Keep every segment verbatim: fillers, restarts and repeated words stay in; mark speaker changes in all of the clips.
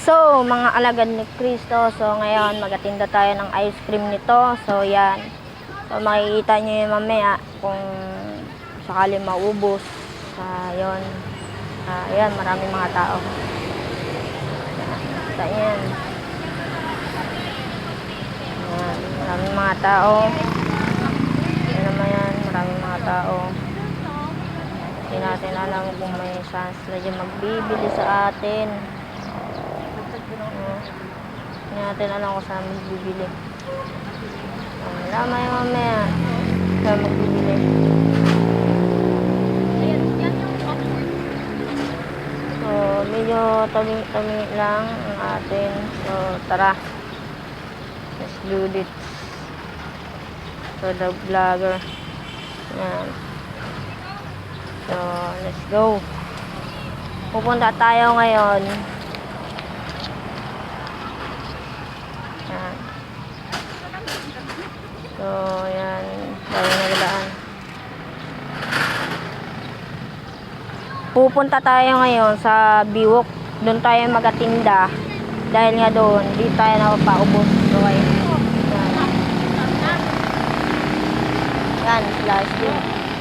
Speaker 1: So, mga alagad ni Cristo, so ngayon magatinda tayo ng ice cream nito. So, yan. So, makikita nyo yun mamaya kung sakali maubos. Uh, yun. Uh, yan, maraming mga tao. Yan, yan. Yan, maraming mga tao. Yan naman yan, maraming mga tao. Hindi natin alam kung may chance na dyan magbibili sa atin. Hindi natin alam kung saan magbibili. Wala may mamaya saan magbibili. So, medyo tabi-tabi lang ang atin. So, tara. Let's do this. So, the vlogger. Yan. So, let's go. Pupunta tayo ngayon. Yan. So, yan. Tayo nagdaan. Pupunta tayo ngayon sa Biwok. Doon tayo magatinda. Dahil nga doon, di tayo napapaubos. Okay. Yan. Yan, plastic.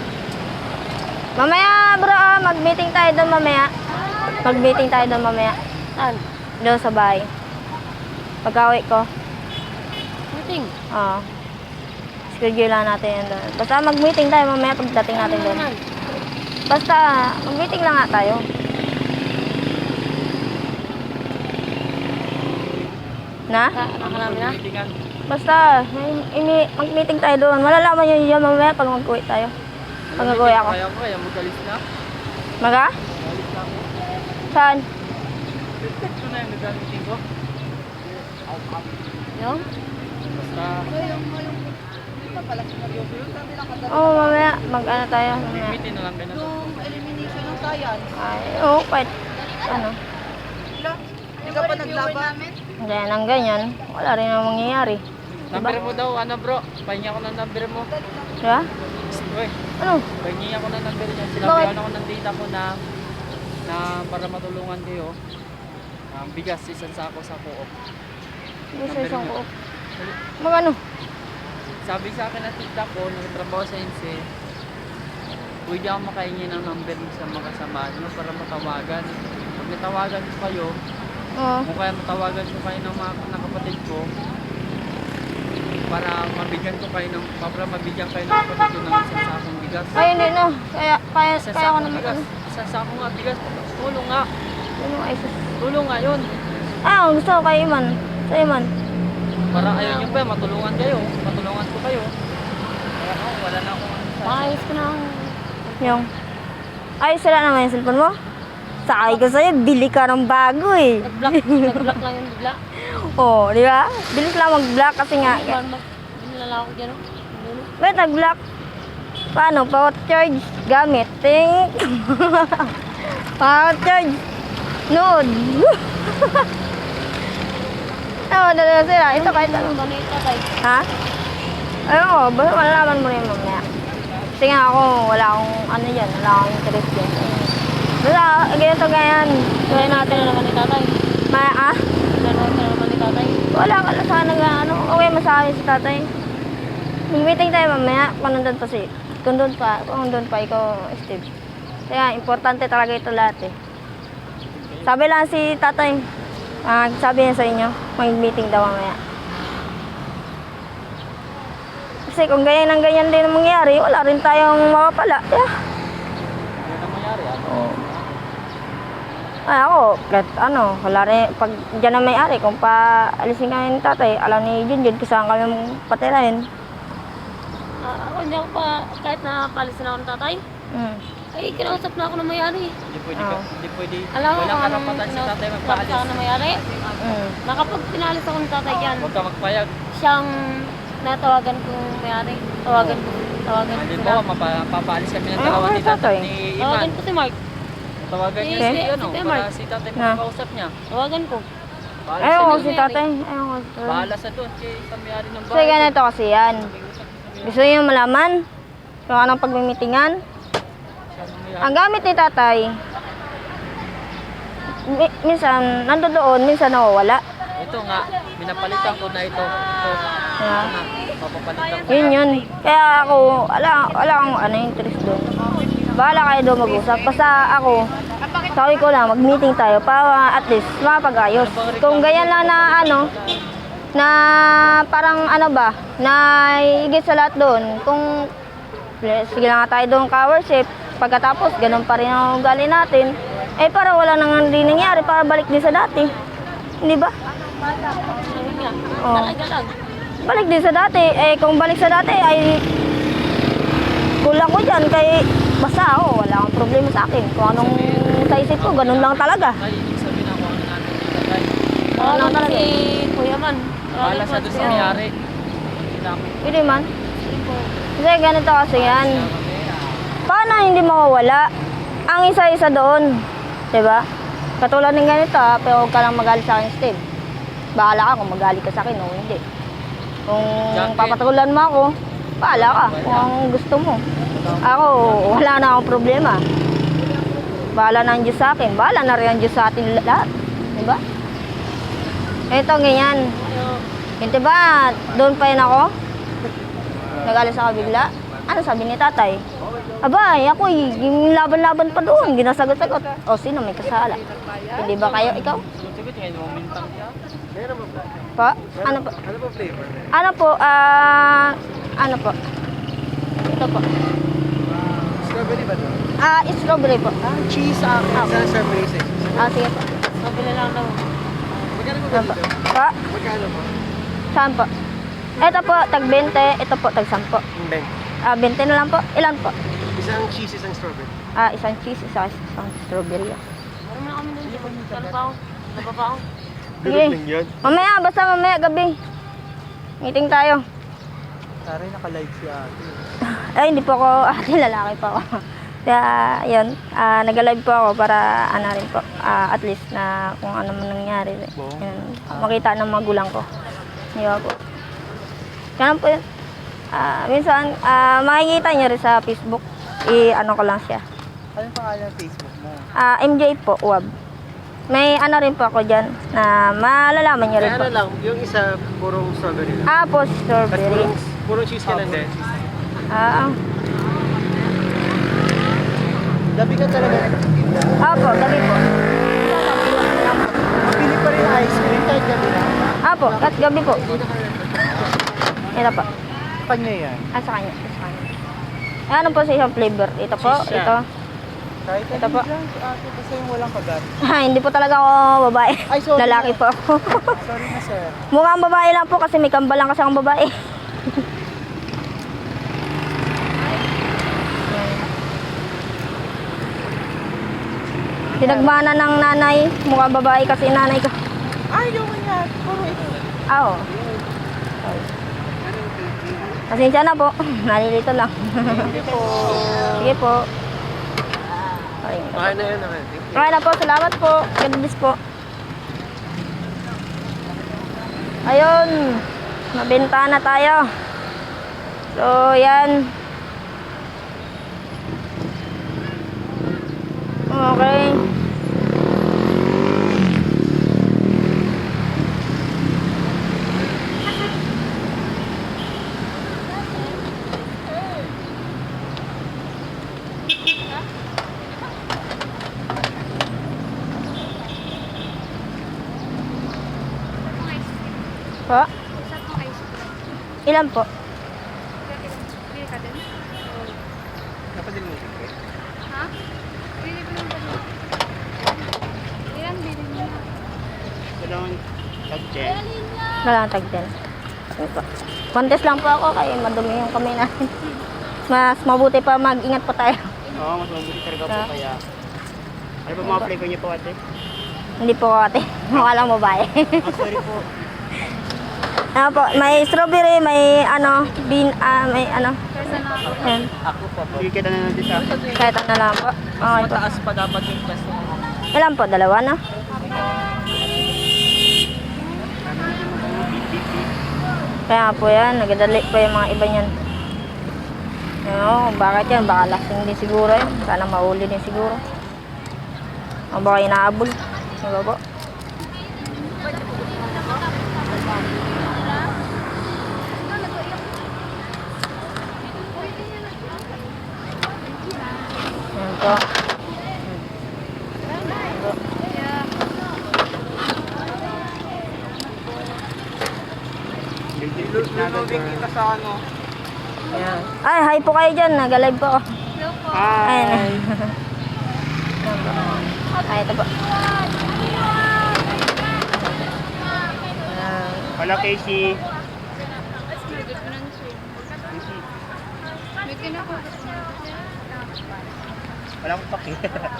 Speaker 1: Mamaya bro, ah, mag-meeting tayo doon mamaya. Mag-meeting tayo doon mamaya. Saan? Doon sa bahay. Pag-awi ko. Meeting? Oo. Schedule lang natin yun doon. Basta mag-meeting tayo mamaya pagdating natin doon. Basta mag-meeting lang nga tayo. Na? Nakalami na? Basta mag-meeting tayo doon. Malalaman nyo yun mamaya pag mag-uwi tayo. Pag nag-uwi ako.
Speaker 2: Kaya ko, kaya magalis na.
Speaker 1: Maga?
Speaker 2: Magalis na ako.
Speaker 1: Saan?
Speaker 2: Ito na yung nag-meeting ko.
Speaker 1: Yung?
Speaker 2: Basta...
Speaker 1: Oo, oh, mamaya. Mag-ano tayo. Mamaya.
Speaker 2: Meeting na lang kayo na.
Speaker 3: Yung elimination ng science.
Speaker 1: Ay, oo, kahit ano.
Speaker 3: Hindi ka pa naglaban?
Speaker 1: Hindi, nang ganyan. Wala rin ang mangyayari.
Speaker 2: Number mo daw, ano bro? Pahingi ako ng number mo.
Speaker 1: Diba?
Speaker 2: Uy,
Speaker 1: Ano?
Speaker 2: pahingi ako ng number niya.
Speaker 1: Bakit?
Speaker 2: Sinabihan ako ng data ko na na para matulungan kayo. Um, bigas, isang sako sa co-op.
Speaker 1: Hindi sa isang ko. Mag ano?
Speaker 2: Sabi sa akin na tita ko, nagtrabaho sa I N S E, pwede ako makahingi ng number sa mga kasamahan nyo para matawagan. Pag natawagan ko kayo,
Speaker 1: Oo.
Speaker 2: kung kaya matawagan ko kayo ng mga ng kapatid ko, para mabigyan ko kayo ng, para mabigyan kayo ng kapatid ko ng isang sakong bigas.
Speaker 1: Ay, hindi no. Kaya, kaya,
Speaker 2: Isang
Speaker 1: kaya ko
Speaker 2: sakong
Speaker 1: naman
Speaker 2: bigas.
Speaker 1: ano.
Speaker 2: Isang sakong nga bigas. Tulong nga.
Speaker 1: Ano ay sus.
Speaker 2: Tulong nga yun.
Speaker 1: Ah, gusto ko kay Iman. Sa Iman.
Speaker 2: Para ayun nyo pa, matulungan kayo. Matulungan ko kayo. Kaya ako, wala na akong ano sa...
Speaker 3: Ayos ko na.
Speaker 1: Yung. Ay, sila naman yung cellphone mo? Sakay ko sa'yo, bili ka ng bago eh.
Speaker 3: Nag-block. Nag-block lang yung bigla.
Speaker 1: Oo, oh, di ba? Bilis lang mag-block kasi nga.
Speaker 3: Binilala ako dyan.
Speaker 1: Wait, nag-block. Paano? Power charge. Gamit. Ting. Power charge. Node. Oo, dalawa sila. Ito kahit ano. Ha? Ayun ko, basta malalaman mo rin mamaya. Kasi nga ako, wala akong ano yan, wala akong interest yan. Basta, ganito ganyan.
Speaker 3: Kaya natin na naman ni tatay.
Speaker 1: Ma, ah?
Speaker 3: Kaya natin na naman ni tatay.
Speaker 1: Wala ka lang sana nga, ano, okay masabi si tatay. Mag-meeting tayo mamaya, kung nandun pa si, kung doon pa, kung doon pa, ikaw, Steve. Kaya, importante talaga ito lahat eh. Sabi lang si tatay, ah, sabi niya sa inyo, mag-meeting daw mamaya. Kasi kung ganyan ang ganyan din ang mangyari, wala rin tayong mapapala. Yeah.
Speaker 2: Ano na mangyari? Ano?
Speaker 1: Oh. Ay, ako, kahit ano, wala rin, pag dyan na may-ari, kung pa alisin kami ni tatay, alam ni Junjun kung saan kami patirahin.
Speaker 3: Ah, ako hindi ako pa, kahit napalisin ako ng tatay,
Speaker 1: Hmm.
Speaker 3: ay kinausap na ako ng mayari.
Speaker 2: Hindi pwede ka,
Speaker 1: Ah.
Speaker 2: hindi pwede.
Speaker 3: Alam mo
Speaker 2: Walang
Speaker 3: kung anong
Speaker 2: karapatan si tatay
Speaker 3: kinausap
Speaker 2: magpaalis.
Speaker 3: sa akin ng mayari?
Speaker 1: Hmm.
Speaker 3: Nakapag pinalis ako ng tatay dyan,
Speaker 2: Huwag ka magpayag.
Speaker 3: siyang natawagan kong mayari. Tawagan ko, tawagan ko
Speaker 2: Hindi
Speaker 3: sila.
Speaker 2: mo, mapapaalis kami ng
Speaker 1: Ah,
Speaker 2: dalawa
Speaker 1: okay,
Speaker 2: ni tatay
Speaker 1: tatay.
Speaker 2: ni
Speaker 3: Tawagan
Speaker 2: Iman.
Speaker 3: ko si Mark.
Speaker 2: Tawagan niya
Speaker 3: Okay.
Speaker 2: si ano,
Speaker 3: Si
Speaker 2: para
Speaker 3: Mark.
Speaker 2: si tatay
Speaker 1: Na.
Speaker 2: makakausap niya.
Speaker 3: Tawagan ko.
Speaker 2: Paalis
Speaker 1: Ayaw ko
Speaker 2: sa
Speaker 1: si
Speaker 2: doon.
Speaker 1: tatay. Ayaw ko si tatay.
Speaker 2: Bahala sa doon, kay sa may-ari ng
Speaker 1: Kasi
Speaker 2: bahay.
Speaker 1: ganito kasi yan. Gusto niyo malaman kung anong pagmimitingan?
Speaker 2: Siya ang may-ari.
Speaker 1: Ang gamit ni tatay, mi- minsan nandoon, minsan nawawala.
Speaker 2: Ito nga, pinapalitan ko na ito. Ito,
Speaker 1: Yeah.
Speaker 2: ito na, papapalitan ko
Speaker 1: Yun
Speaker 2: na.
Speaker 1: yun. Kaya ako, wala, wala akong ano, interest doon. Bahala kayo doon mag-usap. Basta ako, sabi ko lang, mag-meeting tayo para at least mapag-ayos. Kung ganyan lang na ano, na parang ano ba, na higit sa lahat doon, kung sige lang nga tayo doon ka-worship, pagkatapos ganun pa rin ang ugali natin, eh para wala nang hindi nangyari, para balik din sa dati. Hindi ba?
Speaker 3: Ayun nga.
Speaker 1: Oo.
Speaker 3: Talaga lang.
Speaker 1: Balik din sa dati. Eh, kung balik sa dati ay kulang ko dyan. Kaya basta ako, wala akong problema sa akin. Kung anong sa isip ko, ganun lang talaga.
Speaker 2: Ay, ibig sabihin ako ano natin dito, guys.
Speaker 1: Ano
Speaker 3: Tawagan
Speaker 1: talaga?
Speaker 3: si Kuya Man.
Speaker 2: Bahala sa doon sa mayari. Hindi ako.
Speaker 1: Hindi man. Kasi ganito kasi yan. Paano hindi mawawala? Ang isa-isa doon. Diba? Katulad ng ganito ha, pero huwag ka lang magalit sa akin, Steve. Bahala ka kung magalit ka sa akin o hindi. Kung
Speaker 2: Jacket.
Speaker 1: papatulan mo ako, bahala ka kung ang gusto mo. Ako, wala na akong problema. Bahala na ang Diyos sa akin. Bahala na rin ang Diyos sa atin lahat. Diba? Ito, ganyan. Hindi ba, doon pa yun ako? Nag-alis ako bigla. Ano sabi ni tatay? Abay, ako eh, yung laban-laban pa doon, ginasagot-sagot. O, sino may kasala? Hindi ba kayo, ikaw?
Speaker 2: Sagot ngayon, momentang siya.
Speaker 1: Pa? Ano po?
Speaker 2: Ano ba flavor?
Speaker 1: Ano po? Ah, ano po? Ito po.
Speaker 2: Strawberry ba doon?
Speaker 1: Ah, strawberry po.
Speaker 2: Ah, cheese sa akin.
Speaker 1: Ah.
Speaker 2: Sa strawberry sa
Speaker 1: Ah, sige po.
Speaker 3: Mabili lang daw.
Speaker 2: Magkano mo
Speaker 1: Ano po? Pa?
Speaker 2: Magkano mo?
Speaker 1: Saan po? Ito po, tag twenty. Ito po, tag ten po.
Speaker 2: Hindi.
Speaker 1: Ah, twenty na lang po. Ilan po?
Speaker 2: Isang cheese, isang strawberry.
Speaker 1: Ah, isang cheese, isang, isang strawberry.
Speaker 3: Meron na kami doon. Ano pa ako? Ano pa pa ako?
Speaker 1: Sige.
Speaker 2: yan.
Speaker 1: Mamaya, basta mamaya gabi. Meeting tayo.
Speaker 2: Tari, naka-live si ate.
Speaker 1: Ay, hindi po ako, ate, lalaki po ako. Kaya, yun, ah, nag-live po ako para, ano rin po, ah, at least na kung ano man nangyari. Yun, makita ng magulang ko. Di ba po? Ganun po yun. Ah, minsan, ah, makikita niyo rin sa Facebook. I-ano ko lang siya.
Speaker 2: Anong pangalan ng Facebook mo?
Speaker 1: Ah, M J po, U A B. May ano rin po ako dyan na malalaman niyo rin
Speaker 2: Kaya
Speaker 1: po.
Speaker 2: ano lang, yung isa purong strawberry lang.
Speaker 1: Ah, po,
Speaker 2: Tapos
Speaker 1: strawberry.
Speaker 2: purong, purong cheese ka lang din.
Speaker 1: Ah,
Speaker 2: Gabi ka talaga.
Speaker 1: ah, po, gabi po.
Speaker 2: Pili pa rin ice cream kahit gabi na.
Speaker 1: Ah, po, kat gabi po. Ito po.
Speaker 2: Kanya yan.
Speaker 1: Ah, sa kanya. Sa kanya. Ah, ano po sa isang flavor? Ito po,
Speaker 2: Cheese siya.
Speaker 1: ito.
Speaker 2: Kahit
Speaker 1: Ito po.
Speaker 2: lang, si ate kasi yung walang kagat.
Speaker 1: Ah, hindi po talaga ako babae.
Speaker 2: Ay, sorry
Speaker 1: Lalaki
Speaker 2: na.
Speaker 1: po ako.
Speaker 2: Sorry na sir.
Speaker 1: Mukhang babae lang po kasi may kambal lang kasi akong babae. Pinagmana ng nanay. Mukhang babae kasi nanay ko.
Speaker 2: Ay, yung nga. Puro ito.
Speaker 1: Ah, oo. Pasensya na po. Nalilito lang.
Speaker 2: Hindi po.
Speaker 1: Sige po. Okay.
Speaker 2: Okay na yun naman.
Speaker 1: Okay na po. Salamat po. God bless po. Ayun. Nabenta na tayo. So, yan. Okay. Po? Ilan po?
Speaker 2: Napadil mo siya.
Speaker 4: Ha? Bili ko ng dalawa. Ilan bili niya?
Speaker 2: Dalawang tag-chen.
Speaker 1: Wala tag ten. Contest lang po ako kaya madumi yung kamay natin. Mas mabuti pa mag-ingat pa tayo.
Speaker 2: Oo, mas mabuti talaga po
Speaker 1: Ah.
Speaker 2: kaya. Ano ba mga flavor niyo po ate?
Speaker 1: Hindi po ate. Mukha lang babae.
Speaker 2: Oh, sorry po.
Speaker 1: Ano po, may strawberry, may ano, bean, ah, may ano. Yan.
Speaker 2: Ako pa po. Sige kita na natin sa akin.
Speaker 1: Kahit ano lang po. Okay po.
Speaker 2: Mataas pa dapat yung pesto.
Speaker 1: Ilan po? Dalawa na? Kaya po yan, nagadali pa yung mga iba niyan. Ano, bakit yan? Baka lasing din siguro yan. Sana mauli din siguro. O baka inaabol. Diba po? Yan po.
Speaker 2: Lulubing kita sa ano.
Speaker 1: Yan. Ay, hi po kayo dyan. Nag-live po ako. Ayan.
Speaker 2: Hi!
Speaker 1: Yan po. Ay, ito po. Ayan.
Speaker 2: Wala Casey.
Speaker 4: May kinako.
Speaker 2: Wala akong paki.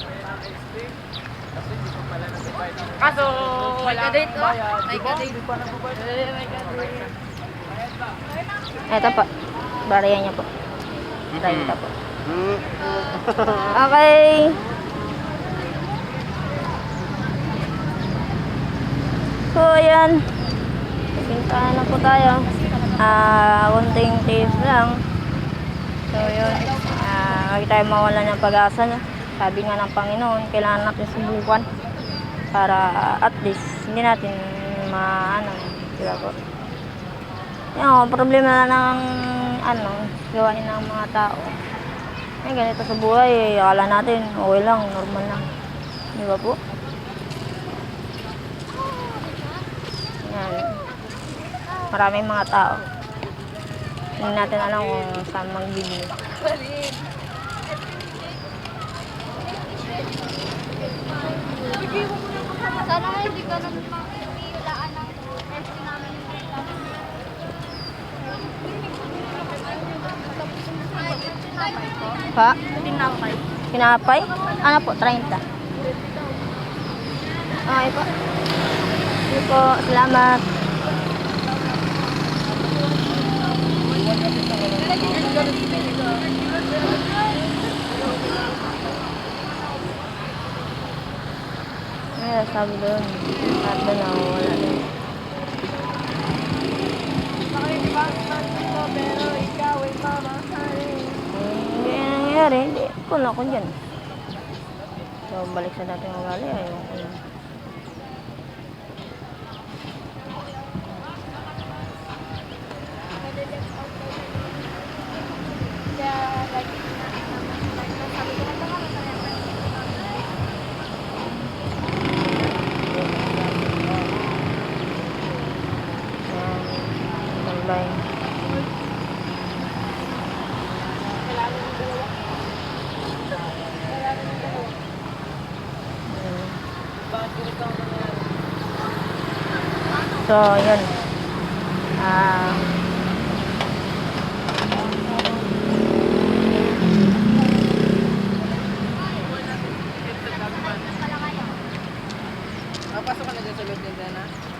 Speaker 2: Kaso, wala akong bayad.
Speaker 4: May kadate.
Speaker 2: Di pa nagbabayad. May kadate.
Speaker 1: Ito po. Bariyan niya po. treinta po. Okay. So, ayan. Pintahan na po tayo. Ah, kunting tips lang. So, yun. Ah, huwag tayo mawala ng pag-asa, no? Sabi nga ng Panginoon, kailangan natin subukan para at least hindi natin maano, diba po? Yung problema na ng ano, gawain ng mga tao. Eh, ganito sa buhay, eh, akala natin okay lang, normal lang. Di ba po? Yan. Maraming mga tao. Hindi natin alam kung saan magbibigay.
Speaker 4: Sana nga hindi ka nang makikilaan ng S P namin.
Speaker 1: Pa?
Speaker 3: Tinapay.
Speaker 1: Pinapay? Ano po? treinta. Okay po. Sige po. Salamat. Ay, sabi doon. At doon ako wala din. Hindi yan nangyayari. Hindi. Kung ako dyan. So, balik sa dating ugali. Ayaw ko yun. Yan. Tambay. So, yun. Ah...
Speaker 2: Napasok ka na dyan sa loob ng dana?